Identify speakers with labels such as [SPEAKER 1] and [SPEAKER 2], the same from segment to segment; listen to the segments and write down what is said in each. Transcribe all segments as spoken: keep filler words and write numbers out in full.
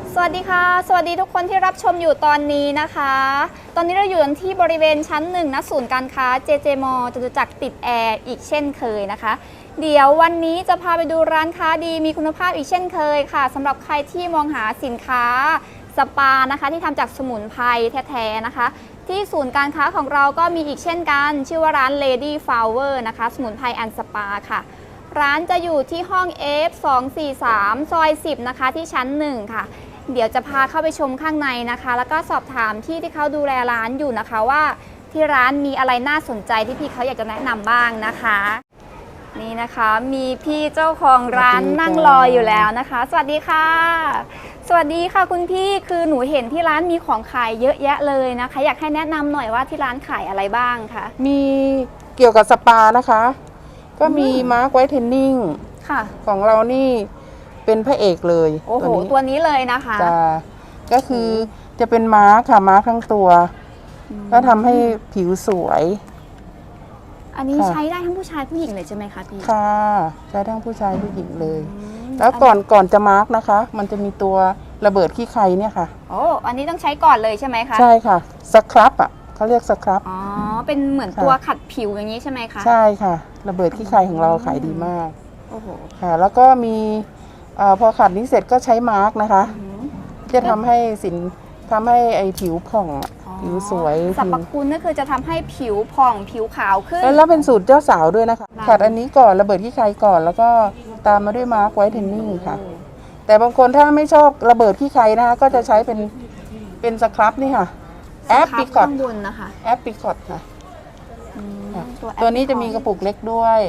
[SPEAKER 1] สวัสดีค่ะสวัสดีทุกคนที่รับชมอยู่ตอนนี้นะคะตอนนี้เราอยู่ที่บริเวณชั้นหนึ่งณศูนย์การค้า เจ เจ มอ จตุจักรติดแอร์อีกเช่นเคยนะคะเดี๋ยววันนี้จะพาไปดูร้านค้าดีมีคุณภาพอีกเช่นเคยค่ะสำหรับใครที่มองหาสินค้าสปานะคะที่ทำจากสมุนไพรแท้ๆนะคะที่ศูนย์การค้าของเราก็มีอีกเช่นกันชื่อว่าร้าน Lady Flower นะคะสมุนไพรแอนด์สปาค่ะร้านจะอยู่ที่ห้อง เอฟ สองสี่สาม ซอยสิบนะคะที่ชั้นหนึ่งค่ะเดี๋ยวจะพาเข้าไปชมข้างในนะคะแล้วก็สอบถามที่ที่เขาดูแลร้านอยู่นะคะว่าที่ร้านมีอะไรน่าสนใจที่พี่เขาอยากจะแนะนำบ้างนะคะนี่นะคะมีพี่เจ้าของร้านนั่งรออยู่แล้วนะคะสวัสดีค่ะสวัสดีค่ะคุณพี่คือหนูเห็นที่ร้านมีของขายเยอะแยะเลยนะคะอยากให้แนะนำหน่อยว่าที่ร้านขายอะไรบ้างคะ
[SPEAKER 2] มีเกี่ยวกับสปานะคะก็มีมาร์คไวท์เทนนิ่งค่ะของเรานี่เป็นพระเอกเลย
[SPEAKER 1] โอ้โหตัวนี้เลยนะคะ
[SPEAKER 2] จะก็คือจะเป็นมาร์คค่ะมาร์คทั้งตัวก็ทำให้ผิวสวย
[SPEAKER 1] อันนี้ใช้ได้ทั้งผู้ชายผู้หญิงเลยใช่ไหมคะพี่
[SPEAKER 2] ค่ะใช้ทั้งผู้ชายผู้หญิงเลยแล้วก่อนก่อนจะมาร์คนะคะมันจะมีตัวระเบิดขี้ใครเนี่ยค่ะ
[SPEAKER 1] โอ้อันนี้ต้องใช้ก่อนเลยใช่ไหมคะ
[SPEAKER 2] ใช่ค่ะสครับอ่ะเขาเรียกสครับ
[SPEAKER 1] อ๋อเป็นเหมือนตัวขัดผิวอย่างนี้ใช่ไหมคะ
[SPEAKER 2] ใช่ค่ะระเบิดขี้ใครของเราขายดีมาก
[SPEAKER 1] โอ้โห
[SPEAKER 2] ค่ะแล้วก็มีอพอขัดนี้เสร็จก็ใช้มาร์กนะคะจะทำให้สินทำให้ไอผิวผ่องผิวสวย
[SPEAKER 1] สรรพคุณก็คือจะทำให้ผิวผ่องผิวขาวขึ้น
[SPEAKER 2] แล้วเป็นสูตรเจ้าสาวด้วยนะคะขัดอันนี้ก่อนระเบิดขี้ใครก่อนแล้วก็ตามมาด้วยมาร์กไวท์เทนนิ่งค่ะแต่บางคนถ้าไม่ชอบระเบิดขี้ใครนะคะก็จะใช้เป็นเป็นสครับนี่ค่ะแอปปิคอต
[SPEAKER 1] นะคะ
[SPEAKER 2] แอปปิคอตค่ะตัวนี้จะมีกระปุกเล็กด้วย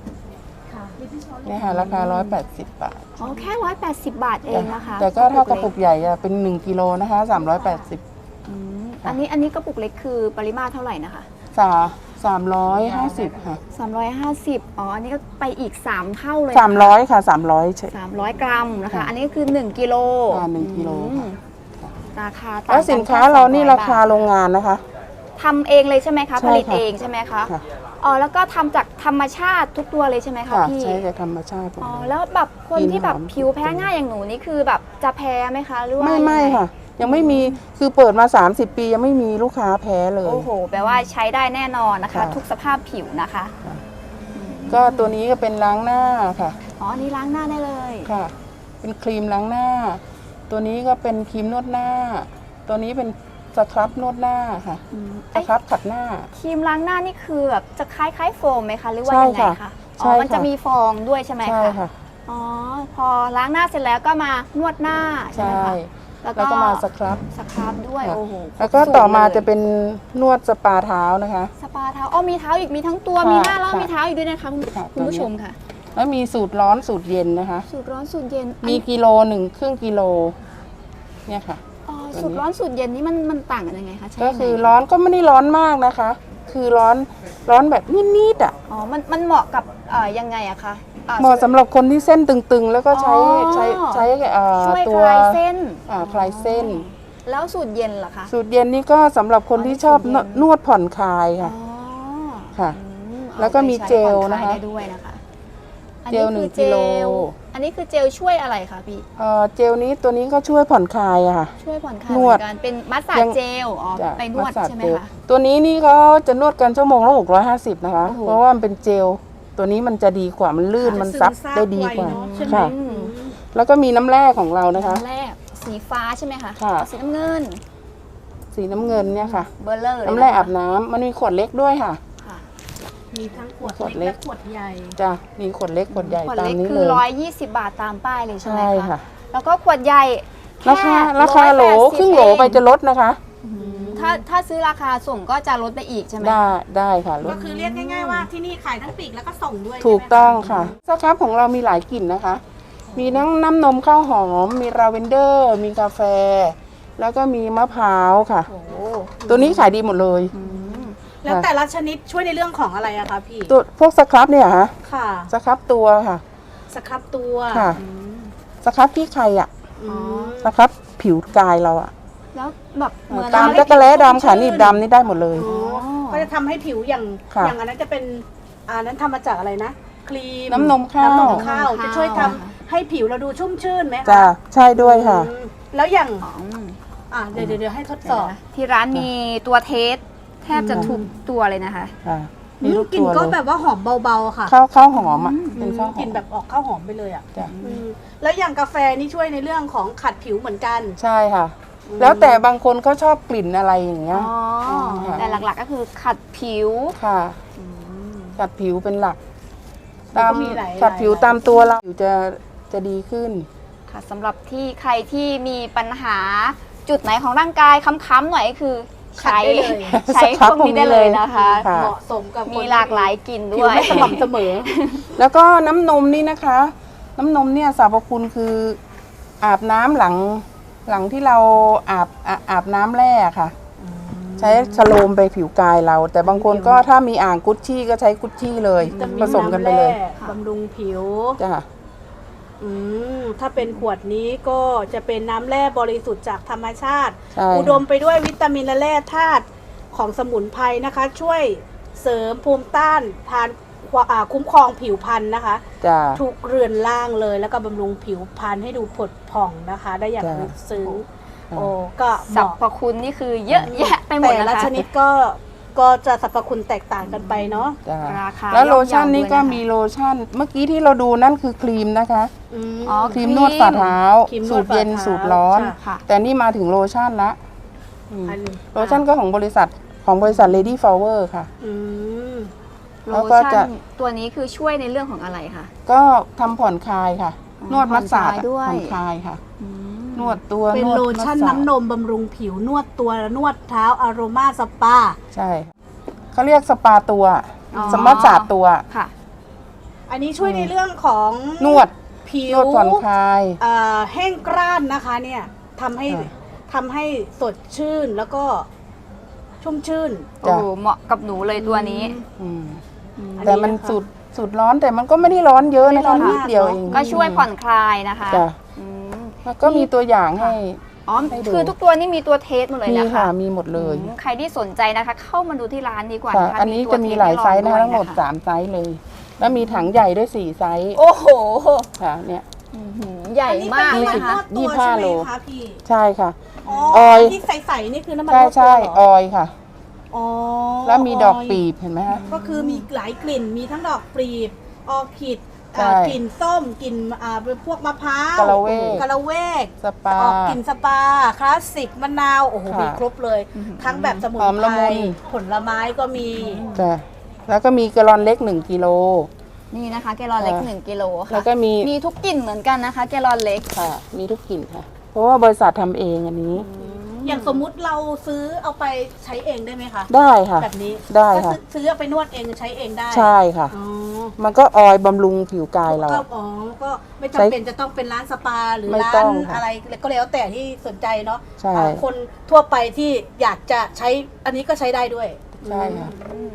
[SPEAKER 2] นี่ค่ะราคาหนึ่งร้อยแปดสิบบาท
[SPEAKER 1] อ๋อแค่หนึ่งร้อยแปดสิบบาทเองนะคะ
[SPEAKER 2] แต่ก็เท่ากระปุกใหญ่เป็นหนึ่งกิโลนะคะสามร้อยแปดสิบ
[SPEAKER 1] อันนี้อันนี้กระปุกเล็กคือปริมาตรเท่าไหร่นะคะ
[SPEAKER 2] สาสามร้อยห้าสิบค่ะ
[SPEAKER 1] สามร้อยห้าสิบอ๋ออันนี้ก็ไปอีกสามเท่าเลย
[SPEAKER 2] สามร้อยค่ะสามร้อยใช่
[SPEAKER 1] สามร้อยกรัมนะคะอันนี้คือหนึ่งกิโล
[SPEAKER 2] อ่าหนึ่งกิโล
[SPEAKER 1] ราคา
[SPEAKER 2] แล้วสินค้าเรานี่ราคาโรงงานนะคะ
[SPEAKER 1] ทำเองเลยใช่ไหมคะผลิตเองใช่ไหมคะอ๋อแล้วก็ทำจากธรรมชาติทุกตัวเลยใช่ไหมคะพี่
[SPEAKER 2] ใช่จากธรรมชาติ
[SPEAKER 1] อ๋อแล้วแบบคนที่แบบผิวแพ้ง่ายอย่างหนูนี่คือแบบจะแพ้ไหมคะหรือว่า
[SPEAKER 2] ไม่ไม่ค่ะยังไม่มีคือเปิดมาสามสิบปียังไม่มีลูกค้าแพ้เลย
[SPEAKER 1] โอ้โหแปลว่าใช้ได้แน่นอนนะคะทุกสภาพผิวนะคะ
[SPEAKER 2] ก็ตัวนี้ก็เป็นล้างหน้าค่ะ
[SPEAKER 1] อ๋อนี่ล้างหน้าได้เลย
[SPEAKER 2] ค่ะเป็นครีมล้างหน้าตัวนี้ก็เป็นครีมนวดหน้าตัวนี้เป็นสครับนวดหน้าค่ะสครับขัดหน้า
[SPEAKER 1] ครีมล้างหน้านี่คือแบบจะคล้ายคล้ายโฟมไหมคะหรือว่ายังไงคะอ๋อมันจะมีฟองด้วยใช่ไหมคะ
[SPEAKER 2] ใช่ค่ะ
[SPEAKER 1] อ๋อพอล้างหน้าเสร็จแล้วก็มานวดหน้าใช่ไหมคะ
[SPEAKER 2] แล้วก็มาสครับ
[SPEAKER 1] สครับด้วยโอ้โห
[SPEAKER 2] แล้วก็ต่อมาจะเป็นนวดสปาเท้านะคะ
[SPEAKER 1] สปาเท้าอ๋อมีเท้าอีกมีทั้งตัวมีหน้าแล้วมีเท้าอีกด้วยนะคะคุณผู้ชมค่ะ
[SPEAKER 2] แล้วมีสูตรร้อนสูตรเย็นนะคะ
[SPEAKER 1] สูตรร้อนสูตรเย็น
[SPEAKER 2] มีกิโลหนึ่งครึ่งกิโลเนี่ยค่ะ
[SPEAKER 1] สูตรร้อนสูตรเย็นนี่มันมันต่างกันยังไงคะ
[SPEAKER 2] ก็คือร้อนก็ไม่ได้ร้อนมากนะคะคือร้อนร้อนแบบนิดๆอ่ะ
[SPEAKER 1] อ๋อมันมันเหมาะกับยังไงอะคะ
[SPEAKER 2] เหมาะสำหรับคนที่เส้นตึงๆแล้วก็ใช้ใช้ใช้
[SPEAKER 1] ตัวคลายเส้น
[SPEAKER 2] คลายเส้น
[SPEAKER 1] แล้วสูตรเย็นล่ะคะ
[SPEAKER 2] สูตรเย็นนี่ก็สำหรับคนที่ชอบนวดผ่อนคลายค่ะค่ะแล้วก็มีเจลนะคะ
[SPEAKER 1] ด้วยนะคะ
[SPEAKER 2] เจลหนึ่งกิโล
[SPEAKER 1] อันนี้คือเจลช่วยอะไรคะพี่
[SPEAKER 2] เจลนี้ตัวนี้ก็ช่วยผ่อนคลายอะค่ะ
[SPEAKER 1] ช่วยผ่อนคลายเหมือนกันเป็นมัสซาจเจลอ๋อไปนวดใช่ไหมคะ
[SPEAKER 2] ตัวนี้นี่เขาจะนวดกันชั่วโมงละหกร้อยห้าสิบนะคะเพราะว่ามันเป็นเจลตัวนี้มันจะดีกว่ามันลื่นมันซับได้ดีกว่าค่ะแล้วก็มีน้ำแร่ของเรานะคะ
[SPEAKER 1] น้ำแร่สีฟ้าใช่ไหมคะสีน้ำเงิน
[SPEAKER 2] สีน้ำเงินเนี่ยค่ะ
[SPEAKER 1] เบอร์เลอร์
[SPEAKER 2] น้ำแร่อาบน้ำมันมีขวดเล็กด้วยค่ะ
[SPEAKER 3] มีทั้งขวดเล็กและขวดใหญ่
[SPEAKER 2] จ้ะมีขวดเล็กขวดใหญ่ตามนี้เลย
[SPEAKER 1] คือร้อยยี่สิบบาทตามป้ายเลยใช่ไหมคะแล้วก็ขวดใหญ่
[SPEAKER 2] ราคาราคาโหลครึ่งโหลไปจะลดนะคะ
[SPEAKER 1] ถ้าถ้าซื้อราคาส่งก็จะลดไปอีกใช่ไหม
[SPEAKER 2] ได้ได้ค่ะ
[SPEAKER 3] ก็คือเรียกง่ายๆว่าที่นี่ขายทั้งปีกแล้วก็ส่งด้วย
[SPEAKER 2] ถูกต้องค่ะสครับของเรามีหลายกลิ่นนะคะมีทั้งน้ำนมข้าวหอมมีลาเวนเดอร์มีกาแฟแล้วก็มีมะพร้าวค่ะตัวนี้ขายดีหมดเลย
[SPEAKER 3] แล้วแต่ละชนิดช่วยในเรื่องของอะไรอะคะพี่
[SPEAKER 2] ตัวพวกสครับเนี่ยฮะ
[SPEAKER 3] ค่ะ
[SPEAKER 2] สครับตัวค่ะ
[SPEAKER 3] สครับตัว
[SPEAKER 2] ค่ะสครับที่ใครอะสครับผิวกายเราอะ
[SPEAKER 1] แล้วแบบ
[SPEAKER 2] ตามจักรแล้ดำขาหนีบดำนี่ได้หมดเลย
[SPEAKER 3] ก็จะทำให้ผิวอย่างอย่างอันนั้นจะเป็นอันนั้นทำมาจากอะไรนะครีม
[SPEAKER 2] น้ำนมข้าว
[SPEAKER 3] น้ำนมข้าวจะช่วยทำให้ผิวเราดูชุ่มชื่นไหมคะ
[SPEAKER 2] จ้ะใช่ด้วยค่ะ
[SPEAKER 3] แล้วอย่าง
[SPEAKER 1] อ๋อ
[SPEAKER 3] อ่าเดี๋ยวเดี๋ยวเดี๋ยวให้ทดสอบ
[SPEAKER 1] ที่ร้านมีตัวเทสแทบจะทุกตัวเลยนะคะ
[SPEAKER 2] ค่ะ
[SPEAKER 3] อืม
[SPEAKER 2] ทุ
[SPEAKER 3] กลิ่น
[SPEAKER 2] ตัว
[SPEAKER 3] ก็
[SPEAKER 2] เลย
[SPEAKER 3] แบบว่าหอมเบาๆค่ะ
[SPEAKER 2] ข้าวข้าวหอมอ่ะ
[SPEAKER 3] อื
[SPEAKER 2] เป็น
[SPEAKER 3] ม
[SPEAKER 2] ข้าวห
[SPEAKER 3] ก
[SPEAKER 2] อ
[SPEAKER 3] ลิ่น
[SPEAKER 2] ม
[SPEAKER 3] แบบออกข้าวหอมไปเลยอ่ะ
[SPEAKER 2] จ้ะ
[SPEAKER 3] อืมแล้วอย่างกาแฟนี่ช่วยในเรื่องของขัดผิวเหมือนกัน
[SPEAKER 2] ใช่ค่ะ แล้วแต่บางคนเขาชอบกลิ่นอะไรอย่างเงี้ย
[SPEAKER 1] อ๋อ
[SPEAKER 2] ค่ะ
[SPEAKER 1] แต่หลักๆก็คือขัดผิว
[SPEAKER 2] ค่ะ ขัดผิวเป็นหลัก
[SPEAKER 3] มัน
[SPEAKER 2] ตาม
[SPEAKER 3] ก็มีหลาย
[SPEAKER 2] ขัดผิว
[SPEAKER 3] หลาย
[SPEAKER 2] ตามตัวเราผิวจะจะดีขึ้น
[SPEAKER 1] ค่ะสำหรับที่ใครที่มีปัญหาจุดไหนของร่างกายค้ำๆหน่อยก็คือ
[SPEAKER 3] ขัด
[SPEAKER 1] ใช้
[SPEAKER 3] ได้เลย
[SPEAKER 1] ใช้พวกนี้ได้เลยนะคะ
[SPEAKER 2] ค่ะ
[SPEAKER 3] เหมาะสมกับคน
[SPEAKER 1] มีหลากหลายกลิ่น
[SPEAKER 3] ผิ
[SPEAKER 1] ด้
[SPEAKER 3] ว
[SPEAKER 1] วย
[SPEAKER 3] ไม่สม่ำเสมอ
[SPEAKER 2] แล้วก็น้ำนมนี่นะคะ น้ำนมเนี่ยสรรพคุณคืออาบน้ำหลังหลังที่เราอาบอาอาบน้ำแร่ค่ะ ใช้ชโลมไปผิวกายเรา แต่บางคนก็ถ้ามีอ่างกุชชี่ก็ใช้กุชชี่เลย
[SPEAKER 3] จะมี
[SPEAKER 2] ผสมกันไปเลย
[SPEAKER 3] ำแร่บำรุงผิว
[SPEAKER 2] จ้ะ
[SPEAKER 3] อืมถ้าเป็นขวดนี้ก็จะเป็นน้ำแร่บริสุทธิ์จากธรรมชาติ
[SPEAKER 2] ใช่
[SPEAKER 3] อุดมไปด้วยวิตามินและแร่ธาตุของสมุนไพรนะคะ ช่วยเสริมภูมิต้านทานควาอ่าคุ้มครองผิวพรรณนะคะ
[SPEAKER 2] จ้ะ
[SPEAKER 3] ทุกเรือนล่างเลยแล้วก็บำรุงผิวพรรณให้ดูผดผ่องนะคะ ได้อย่าง
[SPEAKER 2] จ้ะ
[SPEAKER 3] ลึกซึ้ง
[SPEAKER 2] ค่ะ
[SPEAKER 3] โอ้ก็เห
[SPEAKER 1] สรร
[SPEAKER 3] มาะ
[SPEAKER 1] พคุณนี่คือเยอะแยะไปหมด
[SPEAKER 3] แต่
[SPEAKER 1] นะ
[SPEAKER 3] ละ
[SPEAKER 1] คะ
[SPEAKER 3] ชนิดก็ก็จะสรรพคุณแตกต่างกันไปเนาะ
[SPEAKER 2] จ้ะ
[SPEAKER 1] ราคา
[SPEAKER 2] แล้วโลชั่น
[SPEAKER 1] ย่อมเยา
[SPEAKER 2] นี่ก็
[SPEAKER 1] ด้วยนะคะ
[SPEAKER 2] มีโลชั่น เมื่อกี้ที่เราดูนั่นคือครีมนะคะ
[SPEAKER 3] อืม
[SPEAKER 1] อ๋อ
[SPEAKER 2] ครีมนวดฝ่าเท้า
[SPEAKER 3] ครีมน
[SPEAKER 2] สู
[SPEAKER 3] วด
[SPEAKER 2] ตรเย็น
[SPEAKER 3] ฝ่าเท้า
[SPEAKER 2] สูตรร้อน
[SPEAKER 3] ค่ะ
[SPEAKER 1] ค่ะ
[SPEAKER 2] แต่นี่มาถึงโลชั่นละอืม
[SPEAKER 3] อัน
[SPEAKER 2] โลชั่นก็ของบริษัทของบริษัท Lady Flower ค่ะ
[SPEAKER 3] อืม
[SPEAKER 1] โล
[SPEAKER 2] แล้วก็จะ
[SPEAKER 1] ชั่นตัวนี้คือช่วยในเรื่องของอะไรคะ
[SPEAKER 2] ก็ทำผ่อนคลายค่ะ
[SPEAKER 1] อ๋อน
[SPEAKER 2] วดมัสสาด
[SPEAKER 1] ผ่อนคลายด้วย
[SPEAKER 2] ผ่อนคลายค่ะ
[SPEAKER 1] อืม
[SPEAKER 2] นวดตัว
[SPEAKER 3] เป็น
[SPEAKER 2] วด
[SPEAKER 3] โลชั่น
[SPEAKER 2] มัสสาด
[SPEAKER 3] น้ำนมบำรุงผิวนวดตัวนวดเท้าอโรมาสปา
[SPEAKER 2] ใช่ค่ะเขาเรียกสปาตัว
[SPEAKER 1] อ๋อ
[SPEAKER 2] สมัสสาดตัว
[SPEAKER 1] ค่ะ
[SPEAKER 3] อันนี้ช่วยในเรื่องของ
[SPEAKER 2] นวด
[SPEAKER 3] ผิ
[SPEAKER 2] น
[SPEAKER 3] ว
[SPEAKER 2] วดผ่อนคลาย
[SPEAKER 3] เอ่อแห้งกร้านนะคะเนี่ยทำให้
[SPEAKER 2] ค่ะ
[SPEAKER 3] ทำให้สดชื่นแล้วก็ชุ่มชื่น
[SPEAKER 1] โอ้โหเหมาะกับหนูเลยตัวนี้
[SPEAKER 2] อืม
[SPEAKER 1] อืม
[SPEAKER 3] อันนี้
[SPEAKER 2] แต่มัน
[SPEAKER 3] นะคะ
[SPEAKER 2] สุดสุดร้อนแต่มันก็ไม่ได้ร้อนเยอะ
[SPEAKER 3] ไม่
[SPEAKER 2] นะ
[SPEAKER 3] ร้อ
[SPEAKER 2] คะ
[SPEAKER 3] น
[SPEAKER 2] นิด
[SPEAKER 3] มาก
[SPEAKER 2] เดียว
[SPEAKER 3] เนอะ
[SPEAKER 2] เอง
[SPEAKER 1] ก็ช่วยผ่อนคลายนะคะ
[SPEAKER 2] จ้ะ
[SPEAKER 1] อืม
[SPEAKER 2] แล้วก็มีตัวอย่างให้
[SPEAKER 1] อ๋อ
[SPEAKER 2] ให้ดู
[SPEAKER 1] คือทุกตัวนี่มีตัวเทสหมดเลย
[SPEAKER 2] มี
[SPEAKER 1] นะคะ
[SPEAKER 2] ค่ะมีหมดเลย
[SPEAKER 1] อืมใครที่สนใจนะคะ เข้ามาดูที่ร้านดีกว่า
[SPEAKER 2] ค่ะ
[SPEAKER 1] นะคะ
[SPEAKER 2] อันนี้
[SPEAKER 1] ตัว
[SPEAKER 2] จะมี
[SPEAKER 1] เท
[SPEAKER 2] หลายไซส์นะ
[SPEAKER 1] ให้
[SPEAKER 2] คะ
[SPEAKER 1] ลอง
[SPEAKER 2] ทั้งหมด
[SPEAKER 1] ด้วย
[SPEAKER 2] สามไซส์เลย แล้วมีถังใหญ่ด้วยสี่ไซส์
[SPEAKER 1] โอ้โห
[SPEAKER 2] ค่ะเนี่ย
[SPEAKER 1] อื้อหือใหญ่
[SPEAKER 3] อันนี้
[SPEAKER 1] มาก
[SPEAKER 3] เป็น
[SPEAKER 1] เลย
[SPEAKER 3] น้ำมัน
[SPEAKER 1] ค่ะ
[SPEAKER 3] นวดตัว
[SPEAKER 2] ยี่สิบห้า
[SPEAKER 3] ใช่ไหม
[SPEAKER 2] โล
[SPEAKER 3] คะพี่
[SPEAKER 2] ใช่ค่ะ
[SPEAKER 3] อ๋อ
[SPEAKER 2] ออย
[SPEAKER 3] ที่ใสๆนี่คือน้ำมันน
[SPEAKER 2] ใช่
[SPEAKER 3] วดตัว
[SPEAKER 2] ใช่
[SPEAKER 3] เหรอ
[SPEAKER 2] ออยค่ะ
[SPEAKER 3] อ๋อ
[SPEAKER 2] แล้วมีดอกปีบเห็นไหมคะ
[SPEAKER 3] ก็คือมีหลายกลิ่นมีทั้งดอกปลีบออร์คิด
[SPEAKER 2] ใช่
[SPEAKER 3] อ่ากลิ่นส้มกลิ่นอ่าเป็นพวกมะพร้าว
[SPEAKER 2] กะละเวก
[SPEAKER 3] กะละเวก
[SPEAKER 2] สปา
[SPEAKER 3] ออกกลิ่นสปาคลาสสิกมะนาวโอ้โห
[SPEAKER 2] ค่ะ
[SPEAKER 3] มีครบเลย ทั้งแบบสมุน
[SPEAKER 2] หอม
[SPEAKER 3] ไพ
[SPEAKER 2] ละ
[SPEAKER 3] ร
[SPEAKER 2] มุน
[SPEAKER 3] ผลไม้ก็มี
[SPEAKER 2] จ้ะแล้วก็มีกะลอนเล็กหนึ่งกิโล
[SPEAKER 1] นี่นะคะแกลลอนเล็ก
[SPEAKER 2] ค่ะ
[SPEAKER 1] หนึ่งกิโลค่ะ
[SPEAKER 2] แล้วก็มี
[SPEAKER 1] มีทุกกลิ่นเหมือนกันนะคะแกลลอนเล็ก
[SPEAKER 2] ค่ะ มีทุกกลิ่นค่ะ เพราะว่าบริษัททำเองอันนี้
[SPEAKER 3] อย่างสมมุติเราซื้อเอาไปใช้เองได้ไหมคะ
[SPEAKER 2] ได้ค่ะ
[SPEAKER 3] แบบนี้
[SPEAKER 2] ได้ค่ะ
[SPEAKER 3] ก็ซื้อซื้อเอาไปนวดเองใช้เองได้
[SPEAKER 2] ใช่ค่ะ
[SPEAKER 3] อ๋อ
[SPEAKER 2] มันก็ออยบำรุงผิวกายเรา
[SPEAKER 3] ก็อ๋อก็ไม่จำ
[SPEAKER 2] ใช้
[SPEAKER 3] เป็นจะต้องเป็นร้านสปาหรือ
[SPEAKER 2] ไม่
[SPEAKER 3] ร้า
[SPEAKER 2] ต้
[SPEAKER 3] น
[SPEAKER 2] องค่ะ
[SPEAKER 3] อะไรก็แล้วแต่ที่สนใจเนาะ
[SPEAKER 2] ใช่
[SPEAKER 3] อ่าคนทั่วไปที่อยากจะใช้อันนี้ก็ใช้ได้ด้วย
[SPEAKER 2] ใช่ค่ะ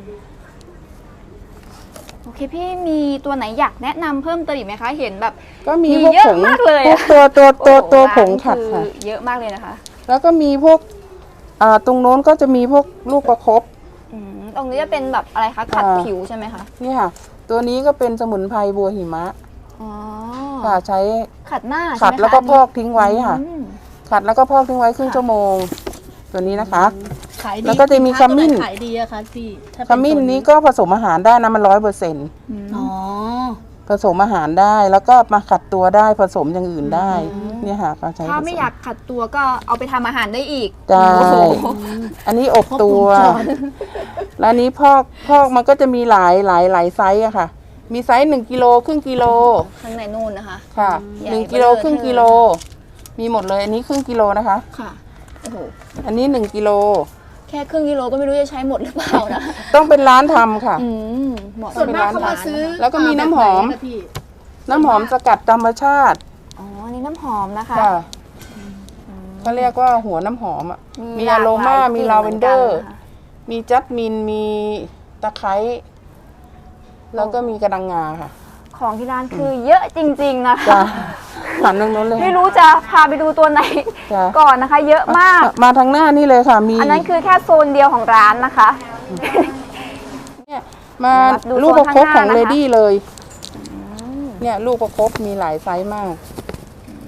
[SPEAKER 1] โอเคพี่มีตัวไหนอยากแนะนำเพิ่มเติมอีกไหมคะ เห็นแบบ
[SPEAKER 2] ก็มี
[SPEAKER 1] มี
[SPEAKER 2] พวก
[SPEAKER 1] เยอะ
[SPEAKER 2] ผง
[SPEAKER 1] มากเลย
[SPEAKER 2] พว
[SPEAKER 1] อะ
[SPEAKER 2] กตัวตัวตัวตัว
[SPEAKER 1] โอ้โห
[SPEAKER 2] ผงขัด
[SPEAKER 1] ร้าน
[SPEAKER 2] ค่ะ
[SPEAKER 1] อเยอะมากเลยนะคะ
[SPEAKER 2] แล้วก็มีพวก อ่า ตรงโน้นก็จะมีพวกลูกประคบ
[SPEAKER 1] อืมตรงนี้จะเป็นแบบอะไรคะขัด
[SPEAKER 2] อ่า
[SPEAKER 1] ผิวใช่ไหมคะ
[SPEAKER 2] นี่ค่ะ ตัวนี้ก็เป็นสมุนไพรบัวหิมะ
[SPEAKER 1] อ๋อ
[SPEAKER 2] ค่ะ ใช้
[SPEAKER 1] ขัดหน้า
[SPEAKER 2] ขัด
[SPEAKER 1] ใช่ไหมคะ
[SPEAKER 2] แล้วก็พอกทิ้งไว้ค่ะ
[SPEAKER 1] อืม
[SPEAKER 2] ขัดแล้วก็พอกทิ้งไว้ครึ่งชั่วโมง ตัวนี้นะคะ
[SPEAKER 3] ขายดี
[SPEAKER 2] แล้วก็จะมี
[SPEAKER 3] สินค้า
[SPEAKER 2] ขมิ้น
[SPEAKER 3] ตัวไหขายดีอะคะพี่ถ้า
[SPEAKER 2] ข
[SPEAKER 3] เป็น
[SPEAKER 2] มิ้น
[SPEAKER 3] ตัว
[SPEAKER 2] นี้ก็ผสมอาหารได้นะมันร้อยเปอร์เซ็นต์
[SPEAKER 3] อ๋อ
[SPEAKER 2] ผสมอาหารได้แล้วก็มาขัดตัวได้ผสมอย่างอื่นได้ เนี่ยค่ะก็ใช้
[SPEAKER 1] ถ้า
[SPEAKER 2] ผส
[SPEAKER 1] ไม่อยากขัดตัวก็เอาไปทำอาหารได้อีก
[SPEAKER 2] ได้
[SPEAKER 1] โอ้โห
[SPEAKER 2] อันนี้อบตัว
[SPEAKER 3] ครบวงจร
[SPEAKER 2] แล้วอันนี้พอกพอกมันก็จะมีหลายหลายหลายไซส์อะค่ะ มีไซส์หนึ่งกิโลครึ่งกิโล
[SPEAKER 1] ข้างในนู่นนะคะ
[SPEAKER 2] ค่ะ
[SPEAKER 1] ใหญ่
[SPEAKER 2] หนึ่งกิโล
[SPEAKER 1] เบ้อเร่อ
[SPEAKER 2] ครึ่งกิโล มีหมดเลย อันนี้ครึ่งกิโลนะคะ
[SPEAKER 1] ค่ะโอ้โห
[SPEAKER 2] อันนี้หนึ่งกิโล
[SPEAKER 1] แค่ครึ่งกิโลก็ไม่รู้จะใช้หมดหรือเปล่านะ
[SPEAKER 2] ต้องเป็นร้านทำค่ะ
[SPEAKER 1] อืมเหมาะ
[SPEAKER 3] ส่วนมาก
[SPEAKER 1] สำห
[SPEAKER 3] เขา
[SPEAKER 1] รับ
[SPEAKER 3] มาซื้อ
[SPEAKER 2] แล้วก็มีน้ำหอม
[SPEAKER 3] แบบไนะพี่
[SPEAKER 2] น้ำหอมสกัดธรรมชาติ
[SPEAKER 1] อ๋ออันนี่น้ำหอมนะคะ
[SPEAKER 2] ค่ะเขาเรียกว่าหัวน้ำหอมอ่ะ มี
[SPEAKER 1] หล
[SPEAKER 2] อะโรมา
[SPEAKER 1] กหลย
[SPEAKER 2] มี
[SPEAKER 1] กลิ่น
[SPEAKER 2] ลาเวนเดอร์
[SPEAKER 1] หมืนกันนะคะ
[SPEAKER 2] มีจัสมิน มีตะไคร้ แล้วก็มีกระดังงาค่ะ
[SPEAKER 1] ของที่ร้านคือเยอะจริง ๆ นะคะ
[SPEAKER 2] จ้ะหันตรงนู้นเลย
[SPEAKER 1] ไม่รู้จะพาไปดูตัวไหน
[SPEAKER 2] จ้ะ
[SPEAKER 1] ก่อนนะคะ เยอะมาก
[SPEAKER 2] มาทางหน้านี่เลยค่ะ มี
[SPEAKER 1] อันนั้นคือแค่โซนเดียวของร้านนะคะ
[SPEAKER 2] เนี่ยมา
[SPEAKER 1] ดู
[SPEAKER 2] ลูกประคบของ
[SPEAKER 1] โซนข้างหน้านะคะ
[SPEAKER 2] เลดี้เลย เนี่ยลูกประคบมีหลายไซส์มาก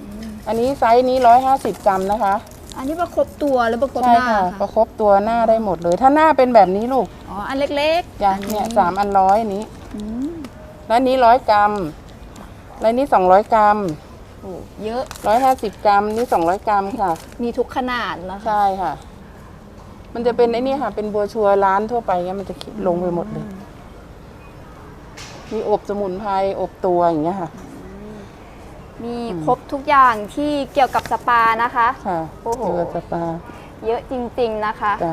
[SPEAKER 2] อันนี้ไซส์นี้ร้อยห้าสิบกรัมนะคะ
[SPEAKER 1] อันนี้ประคบตัวหรือประคบ
[SPEAKER 2] ใช่
[SPEAKER 1] หน้า
[SPEAKER 2] ค่ะ
[SPEAKER 1] คะ
[SPEAKER 2] ประคบตัวหน้าได้หมดเลย ถ้าหน้าเป็นแบบนี้ลูก
[SPEAKER 1] อ๋ออันเล็กๆ
[SPEAKER 2] จ้ะ
[SPEAKER 1] อั
[SPEAKER 2] เนี่ยสามอันร้อยนี้
[SPEAKER 1] อืม
[SPEAKER 2] แล้วนี้ร้อยกรัมแล้วนี้สองร้อยกรัม
[SPEAKER 1] โอ้เยอะ
[SPEAKER 2] ร้อยห้าสิบกรัมนี่สองร้อยกรัมค่ะ
[SPEAKER 1] มีทุกขนาดนะคะ
[SPEAKER 2] ใช่ค่ะ มันจะเป็นไอ้นี่ค่ะ เป็นบัวชัวร์ร้านทั่วไปเงี้ยมันจะลงไปหมดเลย มีอบสมุนไพรอบตัวอย่างเงี้ยค่ะ
[SPEAKER 1] มีครบทุกอย่างที่เกี่ยวกับสปานะคะ
[SPEAKER 2] ค่ะ
[SPEAKER 1] โอ้โห
[SPEAKER 2] เจอสปา
[SPEAKER 1] เยอะจริงๆนะคะ
[SPEAKER 2] จ้ะ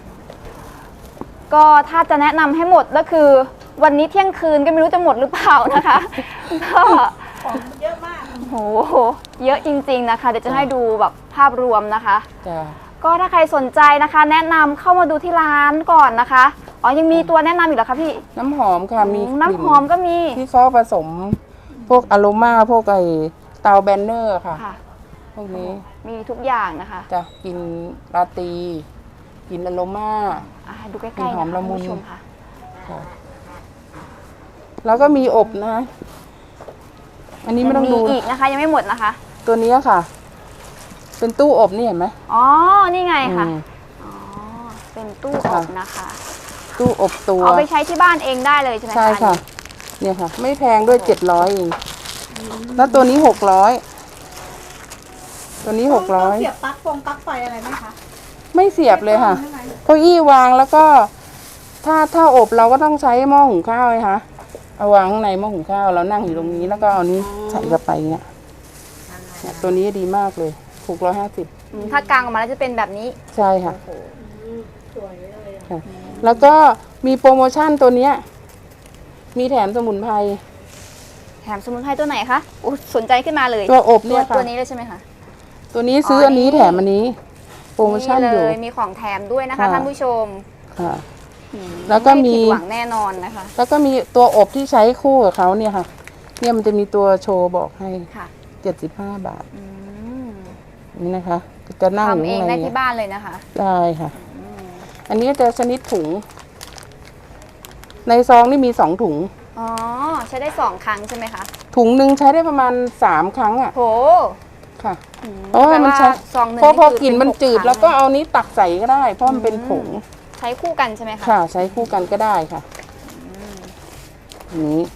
[SPEAKER 1] ก็ถ้าจะแนะนำให้หมดก็คือ วันนี้เที่ยงคืนก็ไม่รู้จะหมดหรือเปล่านะคะ ก็
[SPEAKER 3] ของเยอะมาก
[SPEAKER 1] โหเยอะจริงๆนะคะ เดี๋ยวจะให้ดูแบบภาพรวมนะคะ
[SPEAKER 2] จ้ะ
[SPEAKER 1] ก็ถ้าใครสนใจนะคะ แนะนำเข้ามาดูที่ร้านก่อนนะคะอ๋อยังมีตัวแนะนำอีกเหรอคะพี่
[SPEAKER 2] น้ำหอมค่ะ มี
[SPEAKER 1] น้ำหอมก็มี
[SPEAKER 2] ที่เขาผสม พวกอโรมาพวกไอเตาแบนเนอร์ค่ะ
[SPEAKER 1] ค่ะ
[SPEAKER 2] พวกนี้
[SPEAKER 1] มีทุกอย่างนะคะ
[SPEAKER 2] จะกินราตรีกินอโรมา
[SPEAKER 1] อ่ะดูใกล้
[SPEAKER 2] มี
[SPEAKER 1] ๆ
[SPEAKER 2] หอม
[SPEAKER 1] นะคะ
[SPEAKER 2] ละมุน
[SPEAKER 1] คุณผู้ชมค่ะ
[SPEAKER 2] ค่ะแล้วก็มีอบนะ อันนี้ไม่ต้อง
[SPEAKER 1] ยัง
[SPEAKER 2] ดู
[SPEAKER 1] มีอีกนะคะ ยังไม่หมดนะคะ
[SPEAKER 2] ตัวนี้ค่ะ เป็นตู้อบนี่เห็นไหม
[SPEAKER 1] อ๋อนี่ไงค่ะ
[SPEAKER 2] อืม
[SPEAKER 1] อ๋อเป็นตู้
[SPEAKER 2] ค่ะ
[SPEAKER 1] อบนะคะ
[SPEAKER 2] ตู้อบตัว
[SPEAKER 1] เอาไปใช้ที่บ้านเองได้เลยใช่ไหมคะ
[SPEAKER 2] ใช่ค่ะ เนี่ยค่ะ ไม่แพงด้วยเจ็ดร้อยเองแล้วตัวนี้หกร้อยตัวนี้หกร้อย
[SPEAKER 3] เสียบปลั๊กฟงปลั๊กไฟอะไรไหมคะ
[SPEAKER 2] ไม่เสียบเลยค่ะ
[SPEAKER 3] ใช่ไหม
[SPEAKER 2] เก้าอี้วางแล้วก็ ถ้าถ้าอบเราก็ต้องใช้หม้อหุงข้าวเลยค่ะเอาวางข้างในหม้อหุงข้าวเรานั่งอยู่ตรงนี้แล้วก็เอานี้ใส่เข้าไปเงี้ยเนี่ยตัวนี้ดีมากเลยหกร้อยห้าสิบ
[SPEAKER 1] อืมถ้ากางออกมาแล้วจะเป็นแบบนี้
[SPEAKER 2] ใช่ค่ะ
[SPEAKER 3] สวยเลยอะ
[SPEAKER 2] ค่ะ แล้วก็มีโปรโมชั่นตัวเนี้ย มีแถมสมุนไพร
[SPEAKER 1] แถมสมุนไพรตัวไหนคะอุ๊ยสนใจขึ้นมาเลย
[SPEAKER 2] ตัวอบ
[SPEAKER 1] ตั
[SPEAKER 2] เนี่
[SPEAKER 1] วย
[SPEAKER 2] ค่ะ
[SPEAKER 1] ตัวนี้เลยใช่ไหมคะ
[SPEAKER 2] ตัวนี้ซื้ออันนี้แถมอันนี้ โปรโมชั่นอยู่
[SPEAKER 1] เลยมีของแถมด้วยนะคะ
[SPEAKER 2] ค่ะ
[SPEAKER 1] ท่านผู้ชม
[SPEAKER 2] ค่ะ
[SPEAKER 1] อืม
[SPEAKER 2] แล้วก็มี
[SPEAKER 1] ไผิดหวังแน่นอนนะคะ
[SPEAKER 2] แล้วก็มีตัวอบที่ใช้คู่กับเขาเนี่ยค่ะ เนี่ยมันจะมีตัวโชว์บอกให้
[SPEAKER 1] ค่ะ
[SPEAKER 2] เจ็ดสิบห้าบาท
[SPEAKER 1] อืม
[SPEAKER 2] นี่นะคะ จะนั่งอยู่
[SPEAKER 1] ทำเอง
[SPEAKER 2] ข้างใน
[SPEAKER 1] ได้
[SPEAKER 2] เนี่
[SPEAKER 1] ที่
[SPEAKER 2] ย
[SPEAKER 1] บ้านเลยนะคะ
[SPEAKER 2] ได้ค่ะ อันนี้จะชนิดถุง ในซองนี่มีสองถุง
[SPEAKER 1] อ๋อใช้ได้สองครั้งใช่ไหมคะ
[SPEAKER 2] ถุงหนึ่งใช้ได้ประมาณสามครั้งอ่ะ
[SPEAKER 1] โห
[SPEAKER 2] ค่ะ
[SPEAKER 1] อืม
[SPEAKER 2] เพราะว่ามันใช้
[SPEAKER 1] แปลซองหนึ่ง
[SPEAKER 2] เพราะพอ
[SPEAKER 1] คื
[SPEAKER 2] กลิ่นมัน
[SPEAKER 1] เป็ห
[SPEAKER 2] จืด
[SPEAKER 1] ครั้ง
[SPEAKER 2] แล้วก็เอานี้ตักใส่ก็ได้ เพราะมันเป็นผง
[SPEAKER 1] ใช้คู่กันใช่ไหมคะ
[SPEAKER 2] ค่ะ ใช้คู่กันก็ได้ค่ะอันนี้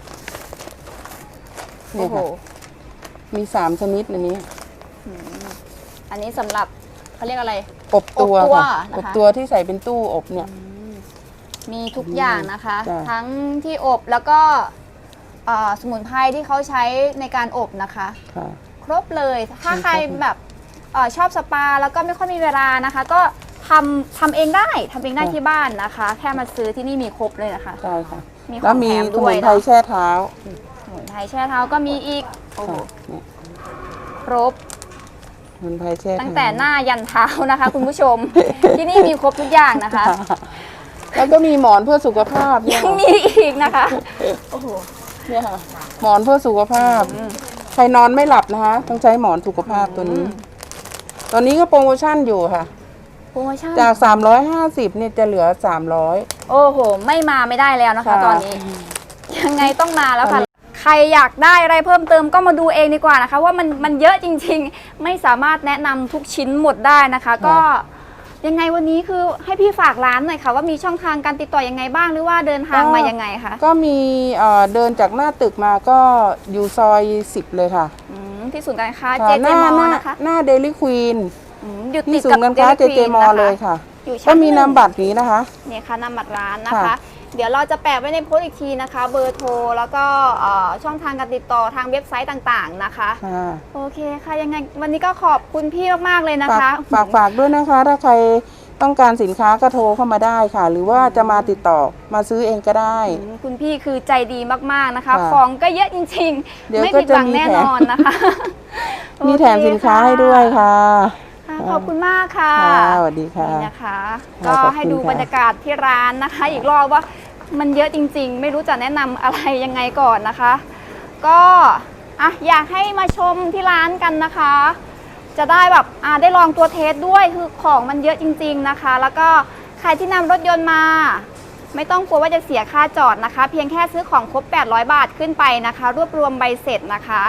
[SPEAKER 2] เนี่
[SPEAKER 1] โอ้
[SPEAKER 2] ย
[SPEAKER 1] โห
[SPEAKER 2] ค่ะ มีสามชนิดอันนี้
[SPEAKER 1] อันนี้สำหรับเขาเรียกอะไร
[SPEAKER 2] อบตัว
[SPEAKER 1] อบตัว
[SPEAKER 2] ค่ะ
[SPEAKER 1] นะคะ
[SPEAKER 2] อบตัวที่ใส่เป็นตู้อบเนี่ย
[SPEAKER 1] มีทุกอย่างนะคะ
[SPEAKER 2] จ้ะ
[SPEAKER 1] ทั้งที่อบแล้วก็เอ่อสมุนไพรที่เขาใช้ในการอบนะคะ
[SPEAKER 2] ค่ะ
[SPEAKER 1] ครบเลย ถ้า
[SPEAKER 2] มีครบ
[SPEAKER 1] ใครแบบเออชอบสปาแล้วก็ไม่ค่อยมีเวลานะคะ ก็ทำทำเองได้ทำเองได้ที่บ้านนะคะ แค่มาซื้อที่นี่มีครบเลยนะคะ
[SPEAKER 2] ใช่ค่ะ
[SPEAKER 1] มีของ
[SPEAKER 2] แล้วมี
[SPEAKER 1] แถม
[SPEAKER 2] ส
[SPEAKER 1] ด้
[SPEAKER 2] มุ
[SPEAKER 1] วย
[SPEAKER 2] นไพร
[SPEAKER 1] เนาะ
[SPEAKER 2] แช่เท้า
[SPEAKER 1] สมุนไพรแช่เท้าก็มีอีกโอ้โห
[SPEAKER 2] ค่ะเนี่ย
[SPEAKER 1] ครบ
[SPEAKER 2] สมุนไพรแช่เท้า
[SPEAKER 1] ตั้งแต่หน้ายันเท้านะคะ คุณผู้ชม ที่นี่มีครบทุกอย่างนะคะ
[SPEAKER 2] ค่ะแล้วก็มีหมอนเพื่อสุขภาพเนี่ย
[SPEAKER 1] ยังมีอีกนะคะโอ้โห
[SPEAKER 2] เนี่ยค่ะ หมอนเพื่อสุขภาพ ใครนอนไม่หลับนะคะ ต้องใช้หมอนสุขภาพตัวนี้ ตอนนี้ก็โปรโมชั่นอยู่ค่ะ
[SPEAKER 1] โปรโมชั่น
[SPEAKER 2] จากสามร้อยห้าสิบเนี่ยจะเหลือสามร้อย
[SPEAKER 1] โอ้โห ไม่มาไม่ได้แล้วนะคะ
[SPEAKER 2] ค่ะ
[SPEAKER 1] ตอนนี้ ยังไงต้องมาแล้วค่ะ ใครอยากได้อะไรเพิ่มเติมก็มาดูเองดีกว่านะคะ ว่ามันมันเยอะจริงๆ ไม่สามารถแนะนำทุกชิ้นหมดได้นะคะ ก็ยังไงวันนี้คือให้พี่ฝากร้านหน่อยค่ะ ว่ามีช่องทางการติดต่อยังไงบ้างหรือว่าเดินทางมายังไงคะ
[SPEAKER 2] ก็มีเอ่อเดินจากหน้าตึกมาก็อยู่ซอยสิบเลยค่ะ
[SPEAKER 1] อืมที่ศูนย์การค้า
[SPEAKER 2] ค่ะ
[SPEAKER 1] เจ
[SPEAKER 2] ห
[SPEAKER 1] เจ
[SPEAKER 2] น้าม
[SPEAKER 1] อ
[SPEAKER 2] หน้า
[SPEAKER 1] นะคะ
[SPEAKER 2] หน้าเดลิควีน
[SPEAKER 1] อืมอยู่ติ
[SPEAKER 2] ที่
[SPEAKER 1] ด
[SPEAKER 2] ศู
[SPEAKER 1] กับ
[SPEAKER 2] นย์การค้าเจ
[SPEAKER 1] Dairy
[SPEAKER 2] เจ
[SPEAKER 1] Queen
[SPEAKER 2] มอ
[SPEAKER 1] นะคะ
[SPEAKER 2] เลยค่ะ
[SPEAKER 1] อยู่ชั้
[SPEAKER 2] ก็
[SPEAKER 1] น
[SPEAKER 2] มี
[SPEAKER 1] ห
[SPEAKER 2] นามบัตรนี้นะคะ
[SPEAKER 1] เนี่ยค่ะนามบัตรร้านนะคะ
[SPEAKER 2] ค่ะ
[SPEAKER 1] เดี๋ยวเราจะแปะไว้ในโพสต์อีกทีนะคะ เบอร์โทรแล้วก็เอ่อช่องทางการติดต่อทางเว็บไซต์ต่างๆนะคะ
[SPEAKER 2] ค่ะ
[SPEAKER 1] โอเคค่ะยังไงวันนี้ก็ขอบคุณพี่มากๆเลยนะ
[SPEAKER 2] ฝาก
[SPEAKER 1] คะ
[SPEAKER 2] ฝากฝากด้วยนะคะ ถ้าใครต้องการสินค้าก็โทรเข้ามาได้ค่ะ หรือว่าจะมาติดต่อมาซื้อเองก็ได้
[SPEAKER 1] อืมคุณพี่คือใจดีมากๆนะคะ
[SPEAKER 2] ค่ะ
[SPEAKER 1] ของก็เยอะจริง
[SPEAKER 2] เดี๋
[SPEAKER 1] ๆ
[SPEAKER 2] ยว
[SPEAKER 1] ไม่
[SPEAKER 2] ก็
[SPEAKER 1] ผิดหวัง
[SPEAKER 2] จะมี
[SPEAKER 1] แน่
[SPEAKER 2] แถม
[SPEAKER 1] นอนนะคะ
[SPEAKER 2] มีแถม
[SPEAKER 1] โอเค
[SPEAKER 2] สินค้าให้ด้วยค่ะ
[SPEAKER 1] ค่ะขอบคุณมากค่ะ
[SPEAKER 2] ค่ะสวัสดีค่ะ
[SPEAKER 1] นี่นะคะ
[SPEAKER 2] ค่ะ
[SPEAKER 1] ก็
[SPEAKER 2] ขอบคุณ
[SPEAKER 1] ให้ดู
[SPEAKER 2] ค่ะ
[SPEAKER 1] บรรยากาศที่ร้านนะคะ อีกรอบว่ามันเยอะจริง ๆ ไม่รู้จะแนะนำอะไรยังไงก่อนนะคะ ก็อ่ะอยากให้มาชมที่ร้านกันนะคะ จะได้แบบอ่าได้ลองตัวเทสด้วยคือของมันเยอะจริง ๆนะคะ แล้วก็ใครที่นำรถยนต์มา ไม่ต้องกลัวว่าจะเสียค่าจอดนะคะ เพียงแค่ซื้อของครบแปดร้อยบาทขึ้นไปนะคะ รวบรวมใบเสร็จนะคะ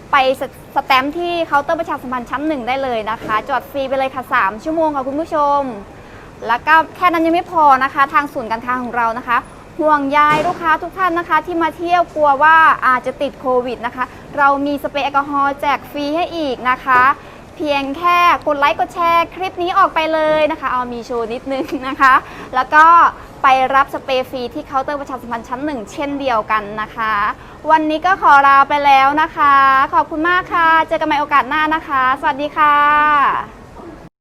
[SPEAKER 1] ไปสสแตมป์ที่เคาน์เตอร์ประชาสัมพันธ์ชั้นหนึ่งได้เลยนะคะจอดฟรีไปเลยค่ะสามชั่วโมงค่ะคุณผู้ชมแล้วก็แค่นั้นยังไม่พอนะคะทางศูนย์การค้าของเรานะคะห่วงใยลูกค้าทุกท่านนะคะที่มาเที่ยวกลัวว่าอาจจะติดโควิดนะคะเรามีสเปรย์แอลกอฮอล์แจกฟรีให้อีกนะคะเพียงแค่กดไลค์กดแชร์คลิปนี้ออกไปเลยนะคะเอามีโชว์นิดนึงนะคะแล้วก็ไปรับสเปรย์ฟรีที่เคาน์เตอร์ประชาสัมพันธ์ชั้นหนึ่งเช่นเดียวกันนะคะวันนี้ก็ขอลาไปแล้วนะคะขอบคุณมากค่ะเจอกันใหม่โอกาสหน้านะคะสวัสดีค่ะ